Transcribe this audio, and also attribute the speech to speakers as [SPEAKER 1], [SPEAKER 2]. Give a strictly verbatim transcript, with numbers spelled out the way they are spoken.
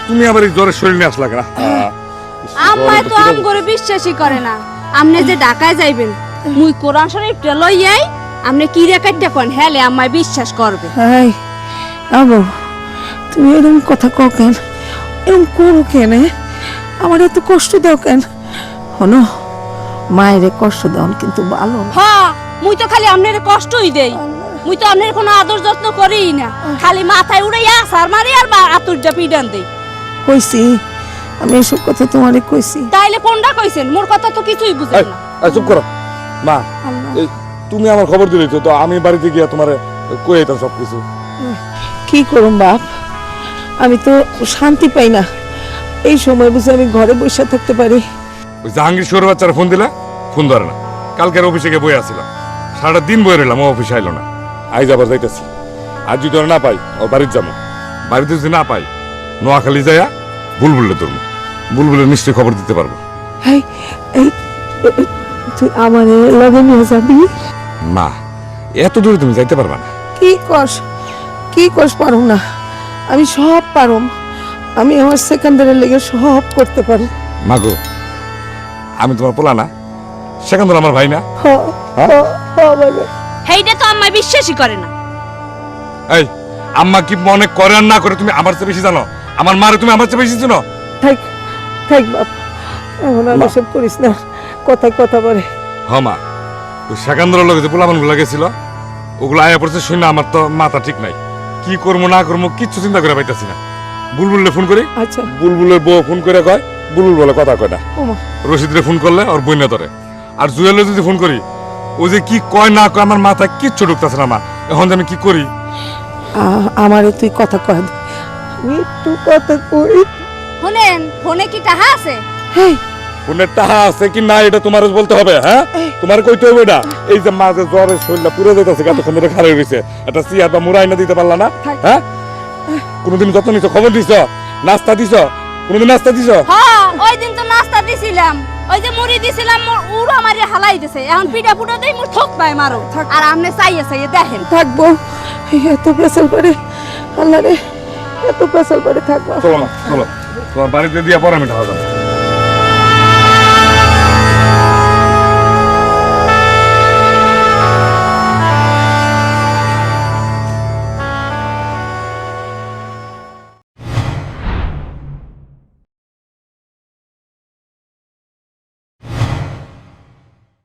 [SPEAKER 1] তুমি আবার এই জ্বরের শরীর নিয়ে আসলা কেন?
[SPEAKER 2] আম্মাই তো আম করে বিশ্বাসই করে না। আপনি যে ঢাকায় যাইবেন মুই কোরআন শরীফটা লইয়াই আপনি কি রেখাইটা কোন হেলে আম্মাই বিশ্বাস করবে।
[SPEAKER 3] এই আবু তুমি এরকম কথা কও কেন? এরকম করো কেন? আমার এত কষ্ট দাও কেন? হনো মায়ের কষ্ট দাও কিন্তু ভালো না।
[SPEAKER 2] হ্যাঁ মুই তো খালি আপনার কষ্টই দেই। মুই তো আপনার কোনো আদর যত্ন করিই না, খালি মাথায় উড়াইয়া সার মারি আর আতুরটা পিডান দেই।
[SPEAKER 3] কইছি আমি এসব কথা তোমারে কইছি।
[SPEAKER 2] তাইলে কোনটা কইছেন? মোর কথা তো কিছুই বুঝেন না।
[SPEAKER 1] এই চুপ করো মা। এই তুমি আমার খবর দিলেই তো, তো আমি বাড়িতে গিয়া তোমারে কই আইতাম সব কিছু।
[SPEAKER 3] কি করুম বাপ, আমি তো শান্তি পাই না। এই সময় বুঝে আমি ঘরে বসে থাকতে পারি?
[SPEAKER 1] ওই জাহাঙ্গীর শহরের বাচ্চারা ফোন দিলা, ফোন ধরে না। কালকের অফিসে গিয়ে বই আসছিলাম, সারাটা দিন বই রইলাম, ও অফিসে আইলো না। আইজ আবার যাইতেছি। আজ যদি ওরা না পাই ও বাড়িতে যাবো। বাড়িতে যদি না পাই নোয়াখালী যাইয়া বুলবুলে ধরবো। বুলবুলের নিশ্চয়ই খবর দিতে পারবো।
[SPEAKER 3] এই এই তুই আমার লগে নিয়ে যাবি?
[SPEAKER 1] মা এত দূরে তুমি যাইতে পারবা না।
[SPEAKER 3] কি কস কি কস পারুম না? আমি সব পারুম। আমি আমার সেকেন্ডারের লেগে সব করতে পারি।
[SPEAKER 1] মা গো, আমি তোমার পোলা না? সেখান আমার ভাই না?
[SPEAKER 3] হ হ হ বাবা।
[SPEAKER 2] হেইটা তো আম্মাই বিশ্বাসই করে না।
[SPEAKER 1] এই আম্মা কি মনে করে আর না করে তুমি আমার চেয়ে বেশি জানো? আমার মারে তুমি আমার চেয়ে বেশি জানো?
[SPEAKER 3] থাক থাক বাপ, এখন আর
[SPEAKER 1] মা।
[SPEAKER 3] এসব করিস না। কথা কথা বলে।
[SPEAKER 1] হ মা, ওই সেকান্দরের লগে যে পোলাপান গুলা গেছিল ওগুলো আয়া পড়ছে শুনে আমার তো মাথা ঠিক নাই। কি করবো না করবো কিচ্ছু চিন্তা করে পাইতাছি না। বুলবুলে ফোন করি,
[SPEAKER 3] আচ্ছা
[SPEAKER 1] বুলবুলের বউ ফোন করে কয় বুলবুল বলে কথা কয় না।
[SPEAKER 3] ওমা
[SPEAKER 1] রশিদরে ফোন করলে ওর বই না ধরে। আর জুয়েলে যদি ফোন করি ও যে কি কয় না কয় আমার মাথায় কিচ্ছু ঢুকতেছে না। মা এখন যে আমি কি করি?
[SPEAKER 3] আ- আমারে তুই কথা কয় দে। আমি একটু কথা কই।
[SPEAKER 2] শুনেন ফোনে কি টাহা আছে?
[SPEAKER 3] হেই
[SPEAKER 1] ফোনের টাকা আছে কি না এটা তোমার বলতে হবে। হ্যাঁ
[SPEAKER 3] এই।
[SPEAKER 1] তোমার কইতে হবে এটা। এই যে মাঝে জ্বরের শরীরটা পুরো যেতেছে, এতক্ষণ ধরে খারাপ হয়েছে, একটা চেয়ার বা মুড়াই না দিতে পারলা না?
[SPEAKER 3] থাক।
[SPEAKER 1] হ্যাঁ কোনোদিন যত্ন নিছো, খবর দিছ, নাস্তা দিছ? কোনোদিন নাস্তা দিছ?
[SPEAKER 2] হ্যাঁ ওই দিন তো নাস্তা দিছিলাম, ওই যে মুড়ি দিছিলাম, মোর উড়া মারি হালাই দিছে। এখন পিঠা পুটা দেই মোর ঠক পায় মারো। আর আপনি চাইয়ে চাইয়ে দেখেন।
[SPEAKER 3] থাকবো। এই এত পেশাল করে আল্লাহ রে, এত পেশাল করে থাকবো।
[SPEAKER 1] চলো না, চলো তোমার বাড়িতে দিয়া পরে আমি ঢাকা যাবো।